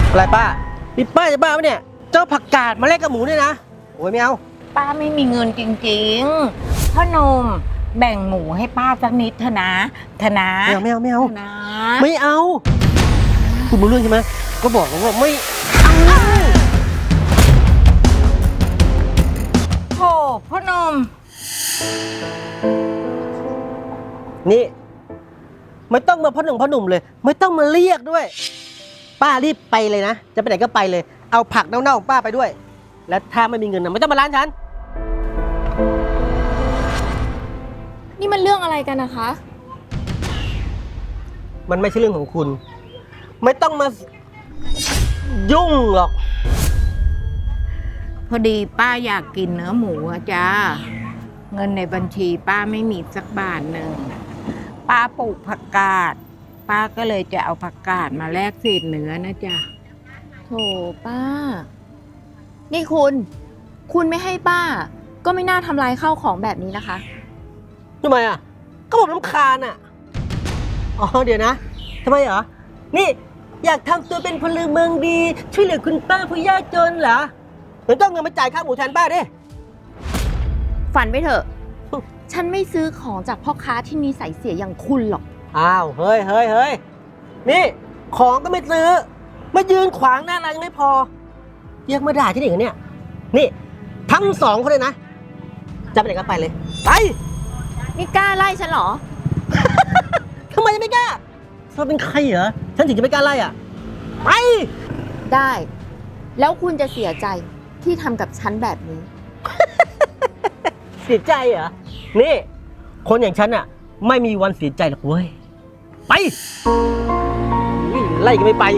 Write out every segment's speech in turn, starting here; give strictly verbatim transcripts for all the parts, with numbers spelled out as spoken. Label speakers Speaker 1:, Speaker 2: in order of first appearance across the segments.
Speaker 1: อะไรป้านี่ป้าจะบ้าไหมเนี่ยเจ้าผักกาดมาแลกกับหมูเนี่ยนะโอ้ยไม่เอา
Speaker 2: ป้าไม่มีเงินจริงๆพ่อหนุ่มแบ่งหมูให้ป้าสักนิดเถอะนะเถอะนะ
Speaker 1: ไม่เอาไม่เอาไม่เอา
Speaker 2: นะ
Speaker 1: ไม่เอาคุณรู้เรื่องใช่ไหมก็บอกแล้วว่าไม่
Speaker 2: โถพ่อหนุ่ม
Speaker 1: นี่ไม่ต้องมาพ่อหนุ่มพ่อหนุ่มเลยไม่ต้องมาเรียกด้วยป้ารีบไปเลยนะจะไปไหนก็ไปเลยเอาผักเน่าๆของป้าไปด้วยและถ้าไม่มีเงินนะไม่ต้องมาร้านฉัน
Speaker 3: นี่มันเรื่องอะไรกันนะคะ
Speaker 1: มันไม่ใช่เรื่องของคุณไม่ต้องมายุ่งหรอก
Speaker 2: พอดีป้าอยากกินเนื้อหมูอะจ้าเงินในบัญชีป้าไม่มีสักบาทหนึ่งป้าปลูกผักกาดป้าก็เลยจะเอาผักกาดมาแลกเศษเนื้อนะจ๊ะ
Speaker 3: โถป้านี่คุณคุณไม่ให้ป้าก็ไม่น่าทำลายข้าวของแบบนี้นะคะ
Speaker 1: ทำไมอ่ะก็ผมรำคาญอ่ะอ๋อเดี๋ยวนะทำไมเหรอนี่อยากทำตัวเป็นพลเมืองดีช่วยเหลือคุณป้าผู้ยากจนเหรอเดี๋ยวต้องเงินมาจ่ายค่าหมูแทนป้าดิ
Speaker 3: ฝันไปเถอะฉันไม่ซื้อของจากพ่อค้าที่นิสัยเสียอย่างคุณหรอก
Speaker 1: อ้าวเฮ้ยเฮ้ยเฮ้ยนี่ของก็ไม่ซื้อมายืนขวางหน้าร้านยังไม่พอเรียกมาด่าที่ไหนกันเนี่ยนี่ทั้งสองคนเลยนะจะไปไหนก็ไปเลยไป
Speaker 3: นี่กล้าไล่ฉันเหรอ
Speaker 1: ทำไมไม่กล้าเธอเป็นใครเหรอฉันถึงจะไม่กล้าไล่อ่ะไป
Speaker 3: ได้แล้วคุณจะเสียใจที่ทำกับฉันแบบนี้
Speaker 1: เสียใจเหรอนี่คนอย่างฉันอ่ะไม่มีวันเสียใจหรอกเว้ยไปไล่ก็ไม่ไป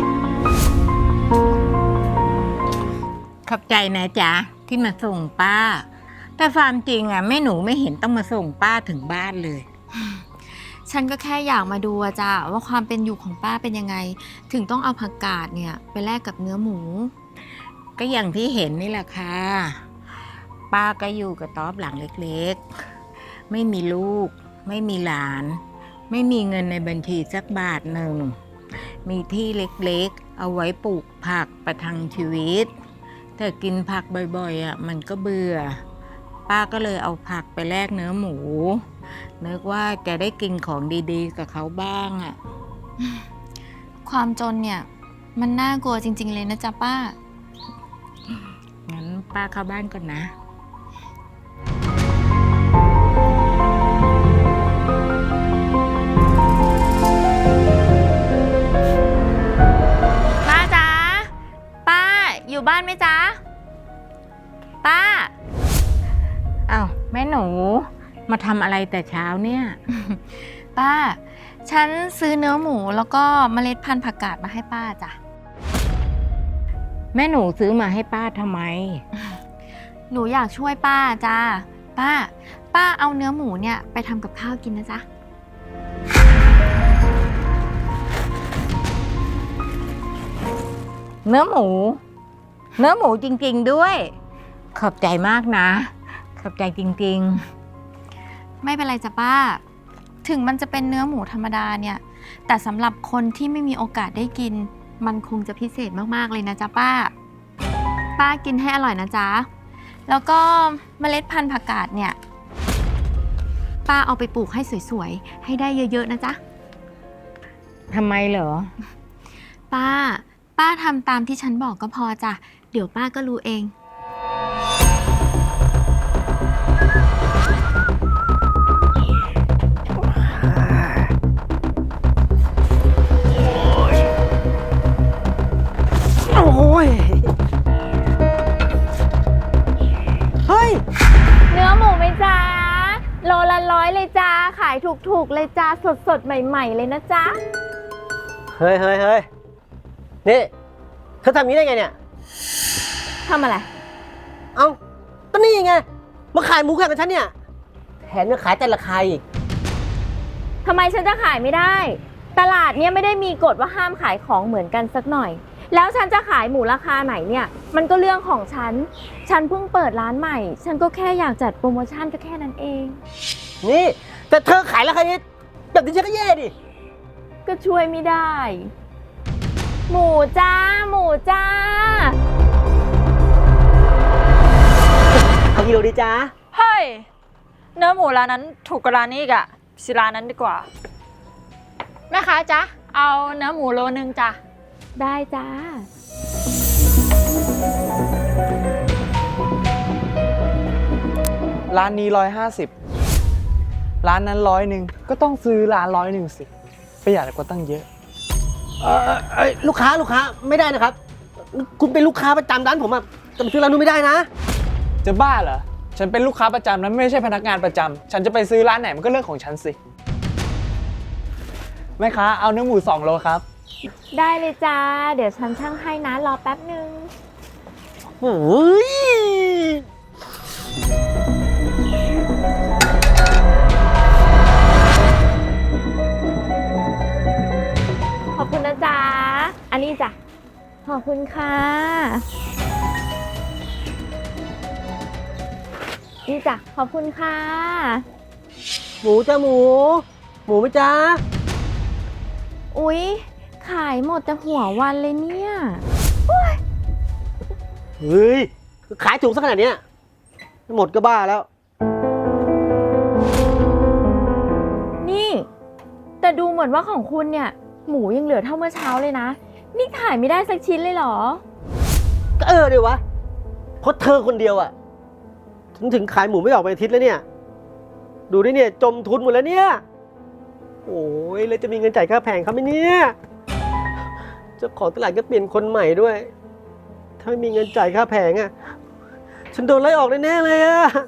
Speaker 2: ขอบใจนะจ๊ะที่มาส่งป้าแต่ความจริงอ่ะแม่หนูไม่เห็นต้องมาส่งป้าถึงบ้านเลย
Speaker 3: ฉันก็แค่อยากมาดูอะจ้ะว่าความเป็นอยู่ของป้าเป็นยังไงถึงต้องเอาผักกาดเนี่ยไปแลกกับเนื้อหมู
Speaker 2: ก็อย่างที่เห็นนี่แหละค่ะป้าก็อยู่กับต๊อบหลังเล็กๆไม่มีลูกไม่มีหลานไม่มีเงินในบัญชีสักบาทหนึ่งมีที่เล็กๆเอาไว้ปลูกผักประทังชีวิตแต่กินผักบ่อยๆอ่ะมันก็เบื่อป้าก็เลยเอาผักไปแลกเนื้อหมูนึกว่าจะได้กินของดีๆกับเขาบ้างอ่ะ
Speaker 3: ความจนเนี่ยมันน่ากลัวจริงๆเลยนะจ๊ะป้า
Speaker 2: งั้นป้าเข้าบ้านก่อนนะ
Speaker 3: ป้าจ๊ะป้าอยู่บ้านไหมจ๊ะป้า
Speaker 2: อ้าวแม่หนูมาทำอะไรแต่เช้าเนี่ย
Speaker 3: ป้าฉันซื้อเนื้อหมูแล้วก็เมล็ดพันธุ์ผักกาดมาให้ป้าจ้ะ
Speaker 2: แม่หนูซื้อมาให้ป้าทำไม
Speaker 3: หนูอยากช่วยป้าจ้าป้าป้าเอาเนื้อหมูเนี่ยไปทำกับข้าวกินนะจ๊ะ
Speaker 2: เนื้อหมูเนื้อหมูจริงๆด้วยขอบใจมากนะขอบใจจริง
Speaker 3: ๆไม่เป็นไรจ้ะป้าถึงมันจะเป็นเนื้อหมูธรรมดาเนี่ยแต่สำหรับคนที่ไม่มีโอกาสได้กินมันคงจะพิเศษมากๆเลยนะจ๊ะป้าป้ากินให้อร่อยนะจ๊ะแล้วก็เมล็ดพันธุ์ผักกาดเนี่ยป้าเอาไปปลูกให้สวยๆให้ได้เยอะๆนะจ๊ะ
Speaker 2: ทำไมเหรอ
Speaker 3: ป้าป้าทำตามที่ฉันบอกก็พอจ้ะเดี๋ยวป้าก็รู้เอง
Speaker 1: โอ้ยเฮ้ย
Speaker 3: เนื้อหมูไหมจ๊ะโลละร้อยเลยจ้าขายถูกๆเลยจ้าสดๆใหม่ๆเลยนะจ๊ะ
Speaker 1: เฮ้ยเฮ้ยเฮ้ยนี่เธอทำนี้ได้ไงเนี่ย
Speaker 3: ทำอะไร
Speaker 1: เอ้าก็นี่ไงมาขายหมูแข่งกับฉันเนี่ยแถมยังขายแต่ราคาอีก
Speaker 3: ทำไมฉันจะขายไม่ได้ตลาดเนี่ยไม่ได้มีกฎว่าห้ามขายของเหมือนกันสักหน่อยแล้วฉันจะขายหมูราคาไหนเนี่ยมันก็เรื่องของฉันฉันเพิ่งเปิดร้านใหม่ฉันก็แค่อยากจัดโปรโมชั่นก็แค่นั้นเอง
Speaker 1: นี่แต่เธอขายราคานี้แบบนี้ฉันก็แย่ดิ
Speaker 3: ก็ช่วยไม่ได้หมูจ้า หมูจ้า
Speaker 1: เอากิโลดีจ้า
Speaker 4: เฮ้ย เนื้อหมูร้านนั้นถูกกว่าร้านนี้อีกอะสิร้านนั้นดีกว่า แม่ค้าจ๊ะ เอาเนื้อหมูโลนึงจ้ะ
Speaker 3: ได้จ้า
Speaker 5: ร้านนี้ร้อยห้าสิบร้านนั้นร้อยหนึ่งก็ต้องซื้อร้านร้อยหนึ่งสิประหยัดกว่าตั้งเยอะ
Speaker 1: เออเอ้ยลูกค้าลูกค้าไม่ได้นะครับ คุณเป็นลูกค้าประจำร้านผมอะจะมาซื้อร้านนู้นไม่ได้นะ
Speaker 5: จะบ้าเหรอ ฉันเป็นลูกค้าประจำนั้นไม่ใช่พนักงานประจำฉันจะไปซื้อร้านไหนมันก็เรื่องของฉันสิแม่ค้าเอาเนื้อหมูสองโลครับ
Speaker 3: ได้เลยจ้า เดี๋ยวฉันช่างให้นะ รอแป๊บหนึ่ง
Speaker 1: โอ้ย
Speaker 3: ขอบคุณนะจ๊ะ อันนี้จ้ะ ขอบคุณค่ะ นี่จ้ะ ขอบคุณค่ะ
Speaker 1: หมูจ้าหมู หมูไหมจ้า
Speaker 3: อุ๊ย ขายหมดแต่หัววันเลยเนี่ย
Speaker 1: เฮ้ยขายถูกสักขนาดเนี้ยหมดก็บ้าแล้ว
Speaker 3: นี่ แต่ดูเหมือนว่าของคุณเนี่ย หมูยังเหลือเท่าเมื่อเช้าเลยนะ นี่ขายไม่ได้สักชิ้นเลยเหรอ
Speaker 1: ก็เออเดี๋ยววะเพราะเธอคนเดียวอะถึงถึงขายหมูไม่ออกไปอาทิตย์แล้วเนี่ย ดูดิเนี่ยจมทุนหมดแล้วเนี่ย โอ้ยแล้วจะมีเงินจ่ายค่าแผงเขาไหมเนี่ยเจ้าของตลาดก็เปลี่ยนคนใหม่ด้วย ถ้าไม่มีเงินจ่ายค่าแผงอะฉันโดนไล่ออกแน่ๆเลยอะ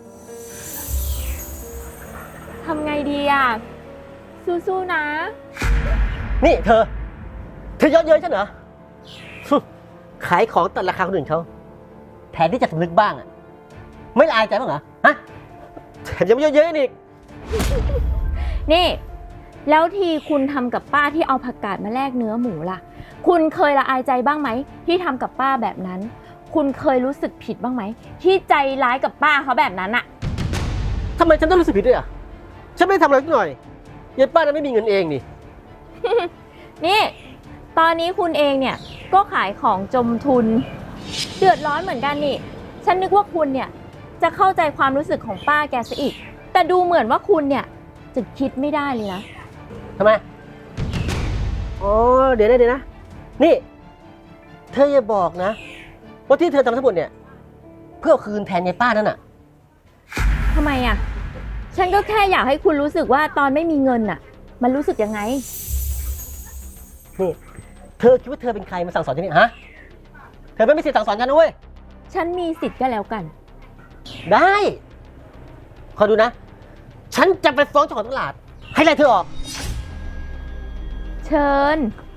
Speaker 3: ทำไงดีอ่ะ สู้ๆนะ
Speaker 1: นี่เธอ เธอเยอะเย้ยฉันเหรอ ขายของตัดราคาคนอื่นเขาแทนที่จะสำนึกบ้างอะไม่ละอายใจบ้างเหรอ ฮะแถมยังไม่เยอะเย้ยอีก
Speaker 3: นี่ แล้วทีคุณทำกับป้าที่เอาผักกาดมาแลกเนื้อหมูล่ะ คุณเคยละอายใจบ้างไหมที่ทำกับป้าแบบนั้น คุณเคยรู้สึกผิดบ้างไหมที่ใจร้ายกับป้าเขาแบบนั้นอะ
Speaker 1: ทำไมฉันต้องรู้สึกผิดด้วยอ่ะ ฉันไม่ได้ทำอะไรสักหน่อยยายป้านั้นไม่มีเงินเองนี่
Speaker 3: นี่ ตอนนี้คุณเองเนี่ยก็ขายของจมทุน เดือดร้อนเหมือนกันนี่ ฉันนึกว่าคุณเนี่ยจะเข้าใจความรู้สึกของป้าแกซะอีก แต่ดูเหมือนว่าคุณเนี่ยจะคิดไม่ได้เลยนะ
Speaker 1: ทำไม อ๋อ เดี๋ยวนะเดี๋ยวนะ นี่ เธออย่าบอกนะ ว่าที่เธอทำทั้งหมดเนี่ย เพื่อเอาคืนแทนยายป้านั่นน่ะ
Speaker 3: ทำไมอ่ะ ฉันก็แค่อยากให้คุณรู้สึกว่าตอนไม่มีเงินน่ะ มันรู้สึกยังไง
Speaker 1: นี่ เธอคิดว่าเธอเป็นใครมาสั่งสอนฉันเนี่ยฮะ เธอไม่มีสิทธิ์สั่งสอนฉันนะเว้ย
Speaker 3: ฉันมีสิทธิ์ก็แล้วกัน
Speaker 1: ได้ ขอดูนะ ฉันจะไปฟ้องเจ้าของตลาด ให้ไล่เธอออก
Speaker 3: เชิญ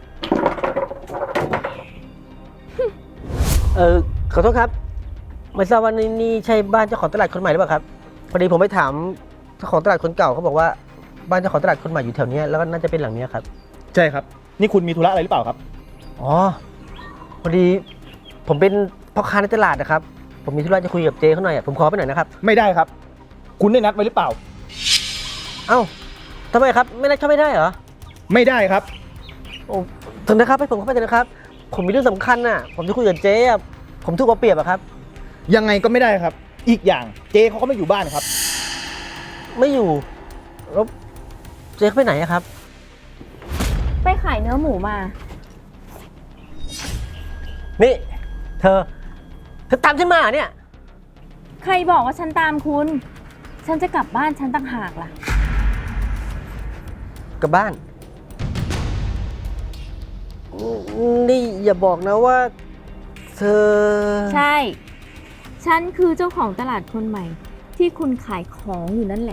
Speaker 1: เออขอโทษครับ ไม่ทราบว่านี่นี่ใช่บ้านเจ้าของตลาดคนใหม่หรือเปล่าครับ พอดีผมไปถามเจ้าของตลาดคนเก่าเขาบอกว่าบ้านเจ้าของตลาดคนใหม่อยู่แถวเนี้ยแล้วก็น่าจะเป็นหลังเนี้ยครับ
Speaker 6: ใช่ครับ นี่คุณมีธุระอะไรหรือเปล่าครับ
Speaker 1: อ๋อ พอดีผมเป็นพ่อค้าในตลาดนะครับ ผมมีธุระจะคุยกับเจ๊เขาหน่อยอะผมขอไปหน่อยนะครับ
Speaker 6: ไม่ได้ครับ คุณได้นัดไว้หรือเปล่า
Speaker 1: เอ้าทำไมครับ ไม่ได้เข้าไม่ได้เหรอ
Speaker 6: ไม่ได้ครับ
Speaker 1: โอ้ถึงนะครับให้ผมเข้าไปเถอะนะครับ ผมมีเรื่องสำคัญน่ะ ผมจะคุยกับเจ๊อะผมถูกเอาเปรียบอะครับ
Speaker 6: ยังไงก็ไม่ได้ครับ อีกอย่างเจเขาก็ไม่อยู่บ้านครับ
Speaker 1: ไม่อยู่แล้วเจ๊เขาไปไหนอะครับ
Speaker 3: ไปขายเนื้อหมูมา
Speaker 1: นี่ เธอ เธอตามฉันมาเหรอเนี่ย
Speaker 3: ใครบอกว่าฉันตามคุณ ฉันจะกลับบ้านฉันต่างหากล่ะ
Speaker 1: กลับบ้าน นี่อย่าบอกนะว่า เธอ
Speaker 3: ใช่ ฉันคือเจ้าของตลาดคนใหม่ ที่คุณขายของอยู่นั่นแหละ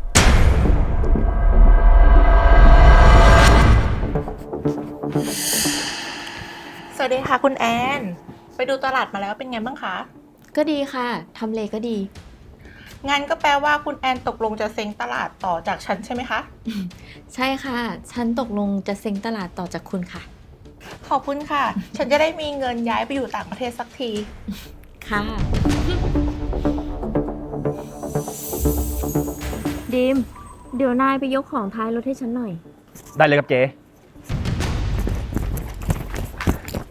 Speaker 7: สวัสดีค่ะคุณแอน ไปดูตลาดมาแล้วเป็นไงบ้างคะ
Speaker 3: ก็ดีค่ะ ทำเลก็ดี
Speaker 7: งั้นก็แปลว่าคุณแอนตกลงจะเซ็งตลาดต่อจากฉันใช่ไหมคะ
Speaker 3: ใช่ค่ะ ฉันตกลงจะเซ็งตลาดต่อจากคุณค่ะ
Speaker 7: ขอบคุณค่ะ ฉันจะได้มีเงินย้ายไปอยู่ต่างประเทศสักที
Speaker 3: ค่ะ ดิม เดี๋ยวนายไปยกของท้ายรถให้ฉันหน่อย
Speaker 6: ได้เลยครับเจ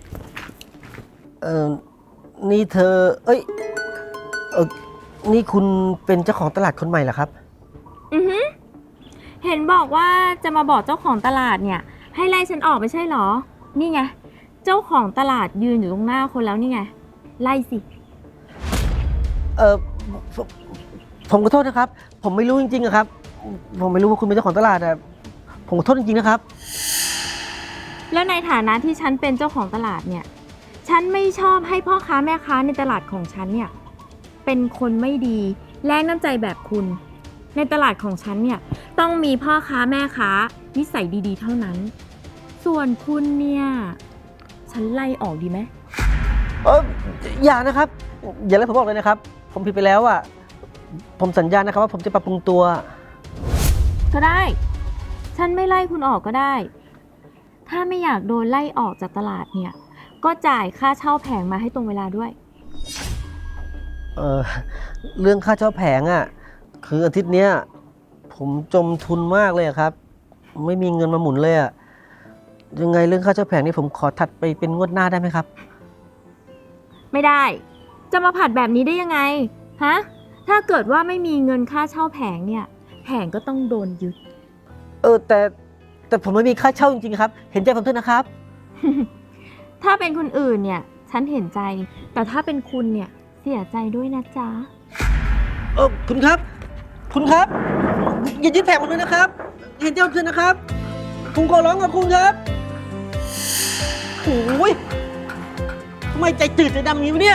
Speaker 1: ออนี่เธอ เอ้ย เออนี่คุณเป็นเจ้าของตลาดคนใหม่เหรอครับ
Speaker 3: อือหือเห็นบอกว่าจะมาบอกเจ้าของตลาดเนี่ย ให้ไล่ฉันออกไม่ใช่เหรอ นี่ไง เจ้าของตลาดยืนอยู่ตรงหน้าคนแล้วนี่ไง ไล่สิ
Speaker 1: เออผมผมขอโทษนะครับ ผมไม่รู้จริงๆอะครับ ผมไม่รู้ว่าคุณเป็นเจ้าของตลาดอะผมขอโทษจริงๆนะครับ
Speaker 3: แล้วในฐานะที่ฉันเป็นเจ้าของตลาดเนี่ย ฉันไม่ชอบให้พ่อค้าแม่ค้าในตลาดของฉันเนี่ย เป็นคนไม่ดีแรงน้ำใจแบบคุณ ในตลาดของฉันเนี่ยต้องมีพ่อค้าแม่ค้านิสัยดีๆเท่านั้น ส่วนคุณเนี่ย ฉันไล่ออกดีไหม
Speaker 1: เอออย่านะครับ อย่าเลยผมบอกเลยนะครับ ผมผิดไปแล้วอะผมสัญญานะครับว่าผมจะปรับปรุงตัว
Speaker 3: ก็ได้ ฉันไม่ไล่คุณออกก็ได้ ถ้าไม่อยากโดนไล่ออกจากตลาดเนี่ย ก็จ่ายค่าเช่าแผงมาให้ตรงเวลาด้วย
Speaker 1: เออเรื่องค่าเช่าแผงอะคืออาทิตย์เนี้ยผมจมทุนมากเลยอะครับ ไม่มีเงินมาหมุนเลยอะยังไงเรื่องค่าเช่าแผงนี่ผมขอถัดไปเป็นงวดหน้าได้ไหมครับ
Speaker 3: ไม่ได้ จะมาผัดแบบนี้ได้ยังไง ฮะ ถ้าเกิดว่าไม่มีเงินค่าเช่าแผงเนี่ย แผงก็ต้องโดนยึด
Speaker 1: เออแต่แต่ผมไม่มีค่าเช่าจริงๆครับ เห็นใจผมด้วยนะครับ
Speaker 3: ถ้าเป็นคนอื่นเนี่ย ฉันเห็นใจ แต่ถ้าเป็นคุณเนี่ย เสียใจด้วยนะจ๊ะ
Speaker 1: เออคุณครับ คุณครับ อย่ายึดแผงผมเลยนะครับ เห็นใจผมด้วยนะครับ ผมขอร้องกับคุณครับโอ้ยทำไมใจจืดใจดำอย่างนี้วะเนี่ย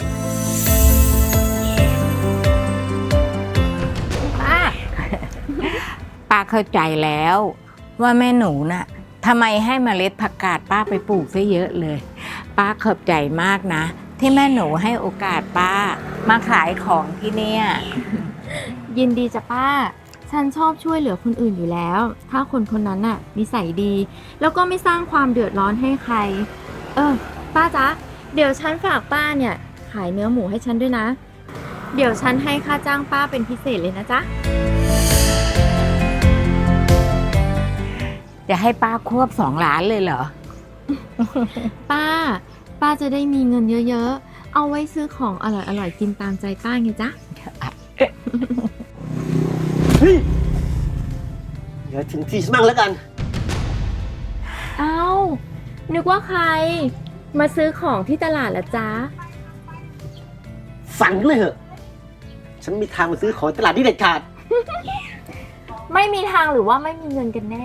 Speaker 2: ป้า ป้าเข้าใจแล้วว่าแม่หนูน่ะทำไมให้เมล็ดผักกาดป้าไปปลูกซะเยอะเลย ป้าขอบใจมากนะ ที่แม่หนูให้โอกาสป้ามาขายของที่เนี่ย
Speaker 3: ยินดีจ้ะป้า ฉันชอบช่วยเหลือคนอื่นอยู่แล้ว ถ้าคนคนนั้นน่ะนิสัยดี แล้วก็ไม่สร้างความเดือดร้อนให้ใคร เออ ป้าจ๊ะ เดี๋ยวฉันฝากป้าเนี่ย ขายเนื้อหมูให้ฉันด้วยนะ เดี๋ยวฉันให้ค่าจ้างป้าเป็นพิเศษเลยนะจ๊ะ
Speaker 2: จะให้ป้าควบสองล้านเลยเหรอ
Speaker 3: ป้า ป้าจะได้มีเงินเยอะๆ เอาไว้ซื้อของอร่อยๆ กินตามใจป้าไงจ๊ะ
Speaker 1: เฮ้ยเดี๋ยวถึงที่ฉันบ้างแล้วกัน
Speaker 3: เอ้า นึกว่าใคร มาซื้อของที่ตลาดละจ๊ะ
Speaker 1: ฝันเลยเหอะ ฉันมีทางมาซื้อของตลาดนี่เด็ดขาด
Speaker 3: ไม่มีทางหรือว่าไม่มีเงินกันแน่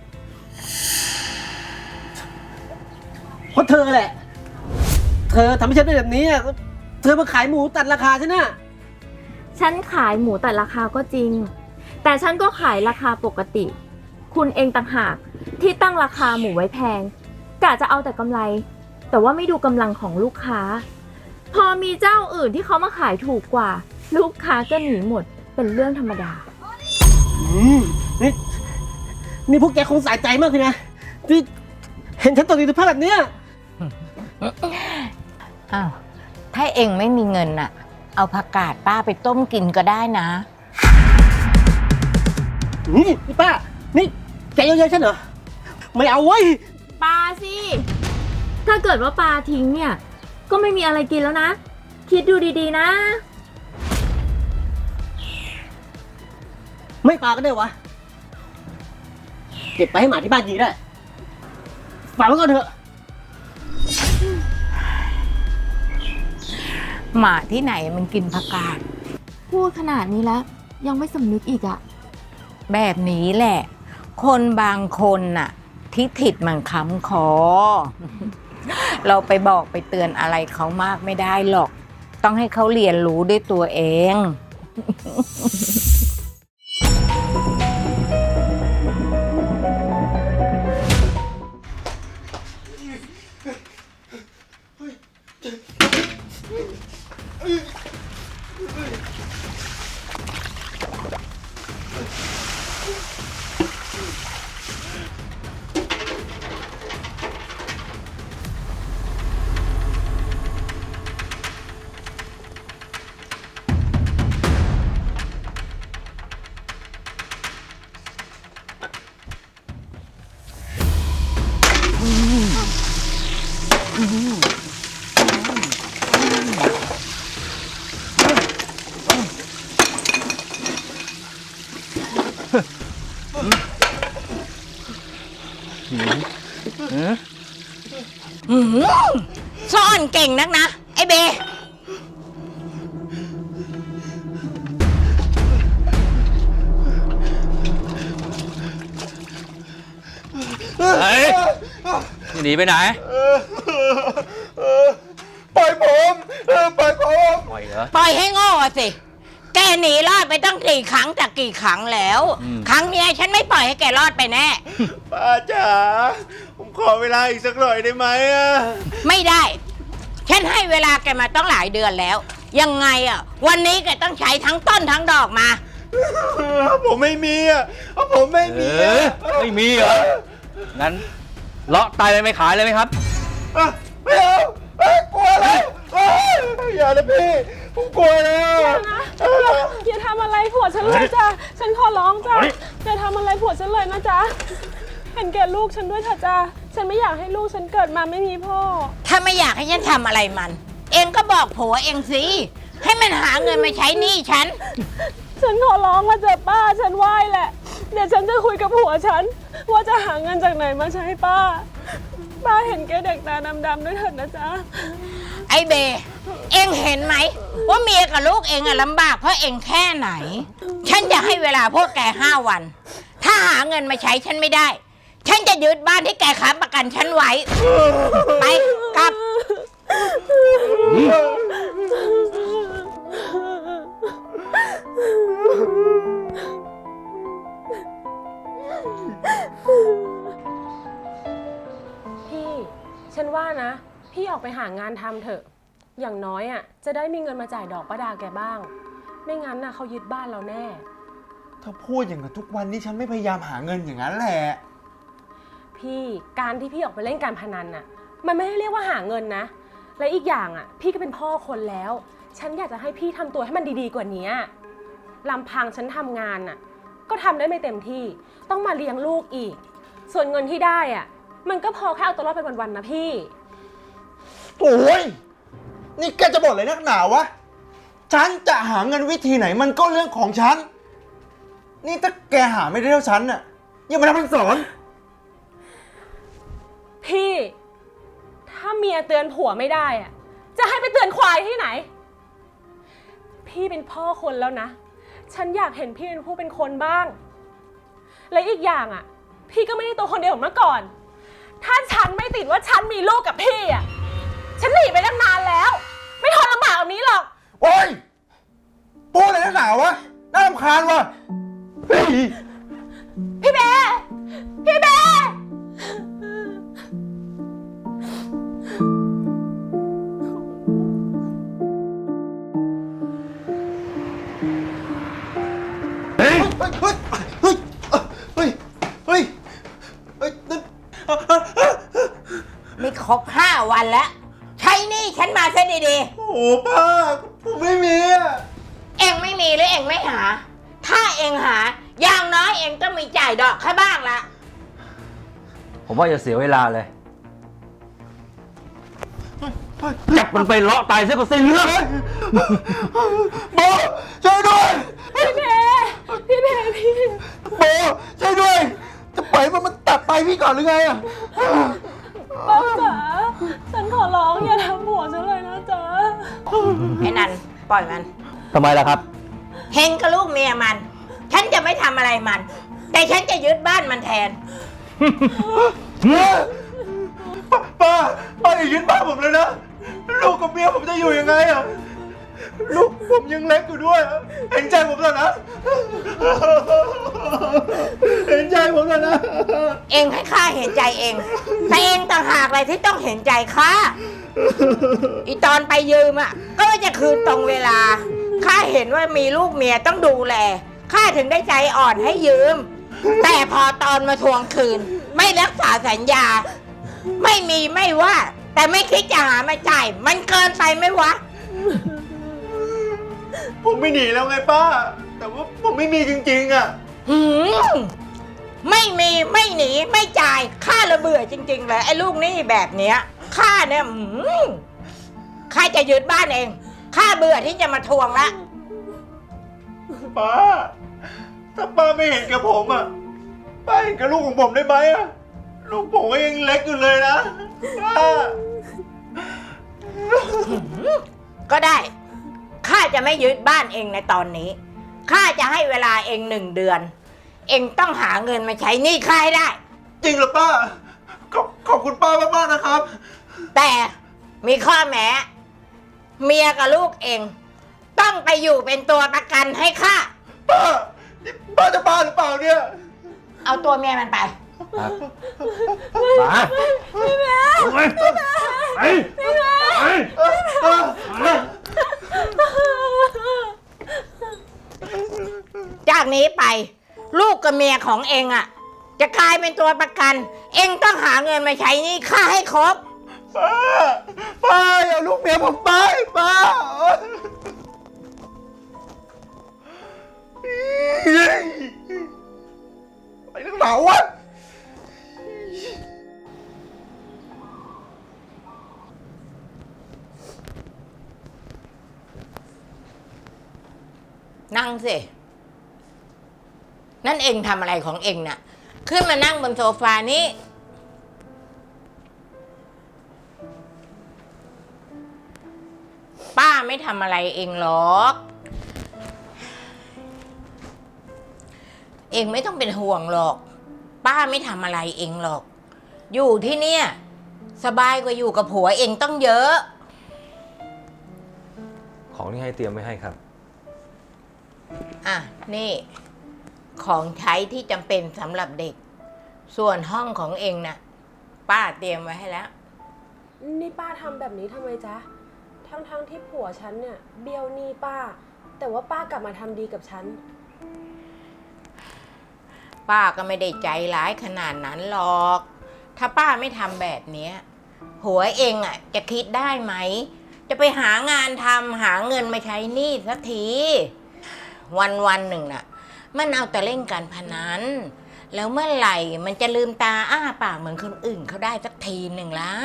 Speaker 1: เพราะเธอแหละ เธอทำให้ฉันเป็นแบบนี้อะเธอมาขายหมูตัดราคาฉันน่ะ
Speaker 3: ฉันขายหมูแต่ราคาก็จริง แต่ฉันก็ขายราคาปกติ คุณเองต่างหากที่ตั้งราคาหมูไว้แพงกะจะเอาแต่กำไร แต่ว่าไม่ดูกำลังของลูกค้า พอมีเจ้าอื่นที่เขามาขายถูกกว่า ลูกค้าก็หนีหมดเป็นเรื่องธรรมดา
Speaker 1: อืมนี่นี่พวกแกคงสายใจมากเลยนะที่เห็นฉันตกอยู่ในสภาพแบบเนี้ย
Speaker 2: อ้าว ถ้าเองไม่มีเงินน่ะ เอาผักกาดป้าไปต้มกินก็ได้นะ
Speaker 1: นี่นี่ป้า นี่แกเยอะๆฉันเหรอ ไม่เอาเว้ย
Speaker 3: ปลาสิ ถ้าเกิดว่าปลาทิ้งเนี่ย ก็ไม่มีอะไรกินแล้วนะ คิดดูดีๆนะ
Speaker 1: ไม่ปลาก็ได้วะ เก็บไปให้หมาที่บ้านยีได้ฝากไว้ก่อนเถอะ
Speaker 2: หมาที่ไหนมันกินผักกาด
Speaker 3: พูดขนาดนี้แล้ว ยังไม่สำนึกอีกอะ
Speaker 2: แบบนี้แหละ คนบางคนน่ะ ที่ถิดมันค้ำคอ เราไปบอกไปเตือนอะไรเขามากไม่ได้หรอก ต้องให้เขาเรียนรู้ด้วยตัวเอง
Speaker 1: เ
Speaker 2: หือซ่อนเก่งนักนะ ไอ้เบ
Speaker 8: เฮ้ยหนีไปไหน
Speaker 6: ปล่อยผมเออปล่อยผม
Speaker 8: ปล่อยเหรอ
Speaker 2: ปล่อยให้โง่อะสิ แกหนีรอดไปตั้งกี่ครั้งจากกี่ครั้งแล้ว
Speaker 8: อืม
Speaker 2: ครั้งเนี้ยฉันไม่ปล่อยให้แกรอดไปแน่
Speaker 6: ป้าจ๋าผมขอเวลาอีกสักหน่อยได้ไหมอะ
Speaker 2: ไม่ได้ ฉันให้เวลาแกมาต้องหลายเดือนแล้ว ยังไงอ่ะ วันนี้แกต้องใช้ทั้งต้นทั้งดอกมา
Speaker 6: ผมไม่มีอ่ะผมไม่
Speaker 8: เอ
Speaker 6: มี
Speaker 8: อ
Speaker 6: อะ
Speaker 8: ไม่มีเหรอ งั้นเลาะไตเลยไม่ขายเลยไหมครับ
Speaker 6: อ่ะไม่เอาเอ้ยกลัวแล้วเอ้ยอย่านะพี่ผมกลัวแล้ว
Speaker 9: อย่าทำอะไรผัวฉันเลยจ้ะ ฉันขอร้องจ้ะ อย่าทำอะไรผัวฉันเลยนะจ๊ะ เห็นแก่ลูกฉันด้วยเถอะจ้ะ ฉันไม่อยากให้ลูกฉันเกิดมาไม่มีพ่อ
Speaker 2: ถ้าไม่อยากให้ฉันทำอะไรมัน เองก็บอกผัวเองสิ ให้มันหาเงินมาใช้หนี้ฉัน
Speaker 9: ฉันขอร้องมาเจอะป้า ฉันไหว้แหละ เดี๋ยวฉันจะคุยกับผัวฉัน ว่าจะหาเงินจากไหนมาใช้ป้า ป้าเห็นแกเด็กตาดำๆด้วยเถิดนะจ๊ะ
Speaker 2: ไอ้เบ เองเห็นไหม ว่าเมียกับลูกเองอะลำบากเพราะเองแค่ไหน ฉันจะให้เวลาพวกแกห้าวัน ถ้าหาเงินมาใช้ฉันไม่ได้ ฉันจะยึดบ้านที่แกค้ำประกันฉันไว้ ไปกลับ
Speaker 9: พี่ ฉันว่านะ พี่ออกไปหางานทำเถอะ อย่างน้อยอ่ะ จะได้มีเงินมาจ่ายดอกป้าดาแกบ้าง ไม่งั้นน่ะเขายึดบ้านเราแน่
Speaker 6: ถ้าพูดอย่างนั้นทุกวันนี้ฉันไม่พยายามหาเงินอย่างนั้นแหละ
Speaker 9: พี่การที่พี่ออกไปเล่นการพนันน่ะ มันไม่ได้เรียกว่าหาเงินนะ และอีกอย่างอ่ะ พี่ก็เป็นพ่อคนแล้ว ฉันอยากจะให้พี่ทำตัวให้มันดีๆกว่านี้ลำพังฉันทำงานน่ะ ก็ทำได้ไม่เต็มที่ ต้องมาเลี้ยงลูกอีก ส่วนเงินที่ได้อ่ะ มันก็พอแค่เอาตัวรอดไปวันๆนะพี่
Speaker 6: โอ้ยนี่แกจะบ่นอะไรนักหนาวะ ฉันจะหาเงินวิธีไหนมันก็เรื่องของฉัน นี่ถ้าแกหาไม่ได้เท่าฉันน่ะอย่ามาทำเป็นสอน
Speaker 9: พี่ ถ้าเมียเตือนผัวไม่ได้อะจะให้ไปเตือนควายที่ไหน พี่เป็นพ่อคนแล้วนะ ฉันอยากเห็นพี่เป็นผู้เป็นคนบ้าง และอีกอย่างอ่ะ พี่ก็ไม่ได้ตัวคนเดียวเหมือนเมื่อก่อน ถ้าฉันไม่ติดว่าฉันมีลูกกับพี่อ่ะ ฉันหนีไปตั้งนานแล้ว ไม่ทนลำบากแบบนี้หรอก
Speaker 6: โอ้ยพูดอะไรนักหนาวะ น่ารำคาญวะเฮ้ย
Speaker 9: พี่เบพี่เบ
Speaker 6: เฮ้ย เฮ้ย เฮ้ย เฮ้ย เฮ้ย เฮ้ยนั่น
Speaker 2: ไม่ครบห้าวันแล้ว ใช้หนี้ฉันมาซะดี
Speaker 6: โอ้โหป้า ผมไม่มีอ่ะ
Speaker 2: ๆ เองไม่มีหรือเองไม่หา ถ้าเองหา อย่างน้อยเองต้องมีจ่ายดอกแค่บ้างละ
Speaker 8: ผมว่าจะเสียเวลาเลย จับมันไปเลาะไตซะก็สิ้นเรื่อง
Speaker 6: โบช่วยด้วย
Speaker 9: พี่เบพี่เบพี่
Speaker 6: โบช่วยด้วย จะปล่อยมันมันตัดไปพี่ก่อนหรือไงอ่ะ
Speaker 9: ป้าจ๋า ฉันขอร้องอย่าทำผัวฉันเลยนะจ๊ะ
Speaker 2: ไอ้นันปล่อยมัน
Speaker 8: ทำไมล่ะครับ
Speaker 2: เฮงกับลูกเมียมัน ฉันจะไม่ทำอะไรมัน แต่ฉันจะยึดบ้านมันแทน
Speaker 6: ป้าป้าป้าอย่ายึดบ้านผมเลยนะ ลูกกับเมียผมจะอยู่ยังไงอ่ะ ลูกผมยังเล็กอยู่ด้วยอะเห็นใจผมหน่อยนะ เห็นใจผมหน่อยนะ
Speaker 2: เองให้ข้าเห็นใจเอง แต่เองต่างหากอะไรที่ต้องเห็นใจข้า อีตอนไปยืมอ่ะ ก็จะคืนตรงเวลา ข้าเห็นว่ามีลูกเมียต้องดูแล ข้าถึงได้ใจอ่อนให้ยืม แต่พอตอนมาทวงคืน ไม่รักษาสัญญา ไม่มีไม่ว่า แต่ไม่คิดจะหามาจ่าย มันเกินไปไหมวะ
Speaker 6: ผมไม่หนีแล้วไงป้า แต่ว่าผมไม่มีจริงๆอ่ะ
Speaker 2: หืมไม่มีไม่หนีไม่จ่ายข้าระเบื่อจริงๆเลยไอ้ลูกหนี้แบบเนี้ยข้าเนี่ยหืมข้าจะยึดบ้านเองข้าเบื่อที่จะมาทวงละ
Speaker 6: ป้า ถ้าป้าไม่เห็นกับผมอ่ะ ป้าเห็นกับลูกของผมได้ไหมอ่ะ ลูกผมก็ยังเล็กอยู่เลยนะ ป้า
Speaker 2: ก็ได้ ข้าจะไม่ยึดบ้านเองในตอนนี้ ข้าจะให้เวลาเองหนึ่งเดือน เองต้องหาเงินมาใช้หนี้ข้าให้ได้
Speaker 6: จริงเหรอป้า ขอบขอบคุณป้ามากๆนะครับ
Speaker 2: แต่มีข้อแม้ เมียกับลูกเอง ต้องไปอยู่เป็นตัวประกันให้ข้า
Speaker 6: ป้า นี่ป้าจะบ้าหรือเปล่าเนี่ย
Speaker 2: เอาตัวเมียมันไป
Speaker 8: มาพี่แม่ไปไปไป
Speaker 2: จากนี้ไป ลูกกับเมียของเองอ่ะ จะกลายเป็นตัวประกัน เองต้องหาเงินมาใช้หนี้ข้าให้ครบ
Speaker 6: ป้า ป้าอย่าลูกเมียผมไปป้าไปนักหนาวะ
Speaker 2: นั่งสิ นั่นเองทำอะไรของเองน่ะ ขึ้นมานั่งบนโซฟานี้ ป้าไม่ทำอะไรเองหรอก เองไม่ต้องเป็นห่วงหรอก ป้าไม่ทำอะไรเองหรอก อยู่ที่เนี่ย สบายกว่าอยู่กับผัวเองต้องเยอะ
Speaker 10: ของที่ให้เตรียมไว้ให้ครับ
Speaker 2: อ่ะ นี่ ของใช้ที่จำเป็นสำหรับเด็ก ส่วนห้องของเองน่ะ ป้าเตรียมไว้ให้แล้ว
Speaker 9: นี่ป้าทำแบบนี้ทำไมจ๊ะ ทั้งๆที่ผัวฉันเนี่ยเบี้ยวหนี้ป้า แต่ว่าป้ากลับมาทำดีกับฉัน
Speaker 2: ป้าก็ไม่ได้ใจร้ายขนาดนั้นหรอก ถ้าป้าไม่ทำแบบเนี้ยผัวเองอ่ะ จะคิดได้ไหม จะไปหางานทำหาเงินมาใช้หนี้สักที วันวันหนึ่งน่ะ มันเอาแต่เล่นการพนัน แล้วเมื่อไหร่มันจะลืมตาอ้าปากเหมือนคนอื่นเขาได้สักทีหนึ่งล่ะ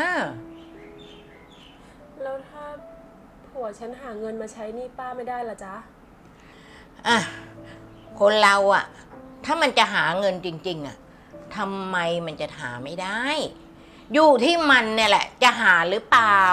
Speaker 9: แล้วถ้าผัวฉันหาเงินมาใช้หนี้ป้าไม่ได้ล่ะจ๊ะ
Speaker 2: อ่ะ คนเราอ่ะ ถ้ามันจะหาเงินจริงๆอ่ะทำไมมันจะหาไม่ได้ อยู่ที่มันเนี่ยแหละ จะหาหรือเปล่า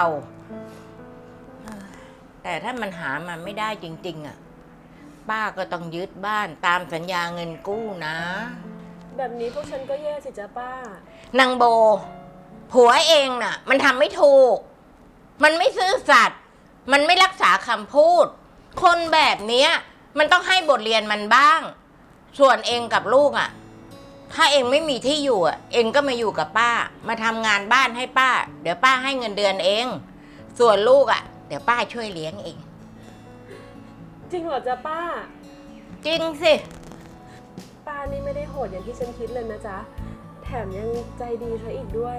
Speaker 2: แต่ถ้ามันหามันไม่ได้จริงๆอ่ะป้าก็ต้องยึดบ้านตามสัญญาเงินกู้นะ
Speaker 9: แบบนี้พวกฉันก็แย่สิจ๊ะป้า
Speaker 2: นางโบ ผัวเองน่ะ มันทำไม่ถูก มันไม่ซื่อสัตย์มันไม่รักษาคำพูด คนแบบเนี้ย มันต้องให้บทเรียนมันบ้าง ส่วนเองกับลูกอ่ะ ถ้าเองไม่มีที่อยู่อ่ะ เองก็มาอยู่กับป้า มาทำงานบ้านให้ป้า เดี๋ยวป้าให้เงินเดือนเอง ส่วนลูกอ่ะ เดี๋ยวป้าช่วยเลี้ยงเอง
Speaker 9: จริงเหรอจ๊ะป้า
Speaker 2: จริงสิ
Speaker 9: ป้านี่ไม่ได้โหดอย่างที่ฉันคิดเลยนะจ๊ะ แถมยังใจดีซะอีกด้วย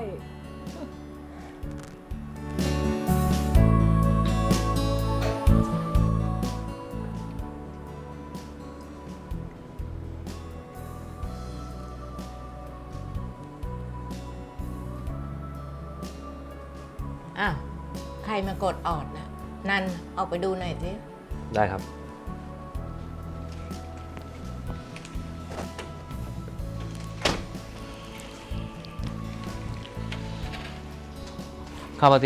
Speaker 2: อ้าว ใครมากดออดนะนันออกไปดูหน่อยสิ
Speaker 10: ได้ครับ เข้ามาสิ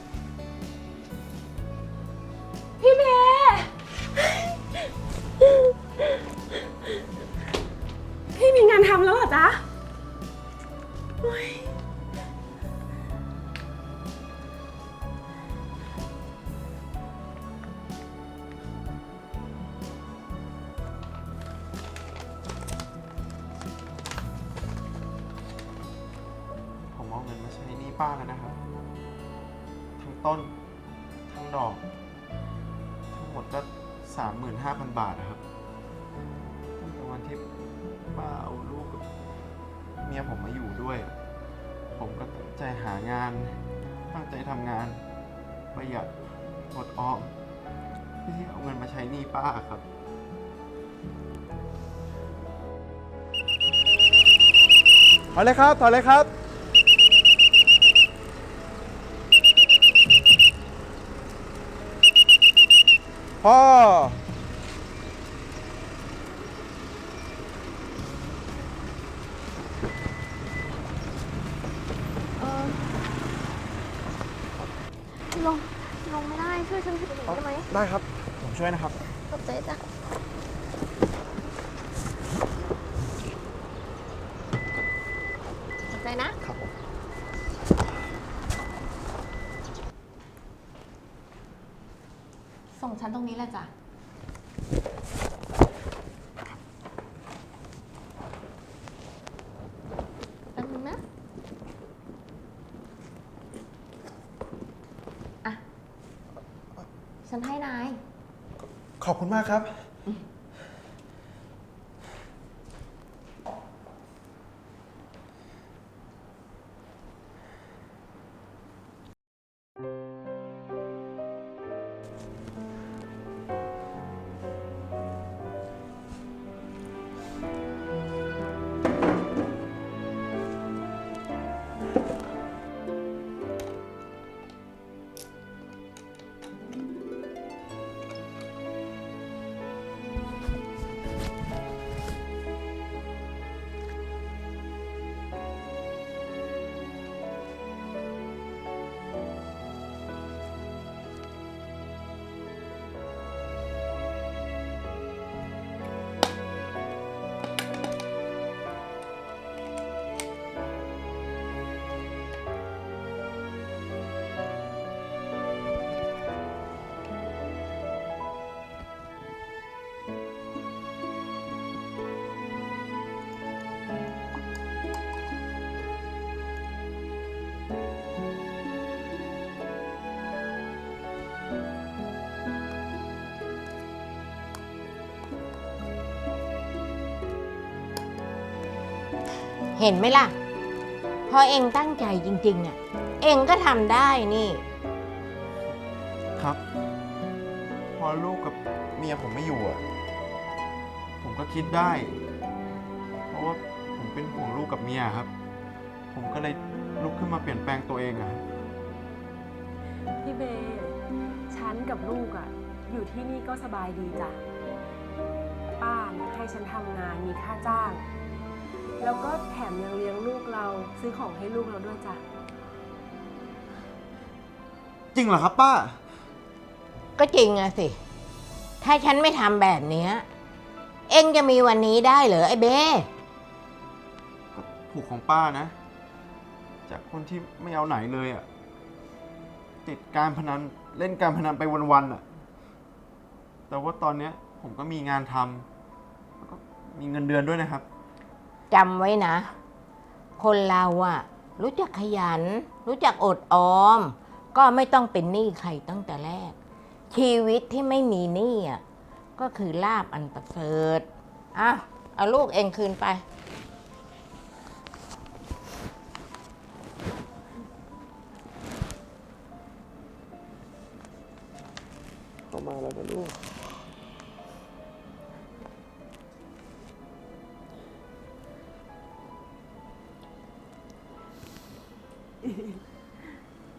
Speaker 9: พี่เมย์พี่มีงานทำแล้วเหรอจ๊ะโอ๊ย
Speaker 6: ผมเอาเงินมาใช้หนี้ป้าแล้วนะครับ ทั้งต้น ทั้งดอก ทั้งหมดก็สามหมื่นห้าพันบาทนะครับตั้งแต่วันที่ป้าเอาลูกกับเมียผมมาอยู่ด้วย ผมก็ตั้งใจหางาน ตั้งใจทำงาน ประหยัดอดออมเพื่อที่เอาเงินมาใช้หนี้ป้าครับ ถอยเลยครับ ถอยเลยครับ พ่อ
Speaker 3: โรงลงไม่ได้ ช่วยฉันถือหน่อยได้ไหม
Speaker 6: ได้ครับ ผมช่วยนะครับ
Speaker 3: ขอบใจจ้ะขอบใจนะ
Speaker 6: ครับผม
Speaker 3: ส่งฉันตรงนี้แหละจ้ะ แป๊บนึงนะ อ่ะ ฉันให้นาย
Speaker 6: ขอบคุณมากครับ
Speaker 2: เห็นไหมล่ะ พอเองตั้งใจจริงๆอ่ะ เองก็ทำได้นี่
Speaker 6: ครับ พอลูกกับเมียผมไม่อยู่อ่ะ ผมก็คิดได้ เพราะว่าผมเป็นห่วงลูกกับเมียครับ ผมก็เลยลุกขึ้นมาเปลี่ยนแปลงตัวเองอะ
Speaker 9: พี่เบย์ฉันกับลูกอะอยู่ที่นี่ก็สบายดีจ้ะ ป้าเนี่ยให้ฉันทำงานมีค่าจ้าง แล้วก็แถมยังเลี้ยงลูกเราซื้อของให้ลูกเราด้วยจ้ะ
Speaker 6: จริงเหรอครับป้า
Speaker 2: ก็จริงอะสิ ถ้าฉันไม่ทำแบบเนี้ยเองจะมีวันนี้ได้เหรอไอ้เบ้
Speaker 6: ก็ถูกของป้านะ จากคนที่ไม่เอาไหนเลยอ่ะ ติดการพนันเล่นการพนันไปวันๆอ่ะ แต่ว่าตอนเนี้ยผมก็มีงานทำแล้วก็มีเงินเดือนด้วยนะครับ
Speaker 2: จำไว้นะ คนเราอะรู้จักขยัน รู้จักอดออม ก็ไม่ต้องเป็นหนี้ใครตั้งแต่แรก ชีวิตที่ไม่มีหนี้อะก็คือลาภอันประเสริฐอ่ะเอาลูกเองคืนไป
Speaker 6: เข้ามาแล้วนะลูก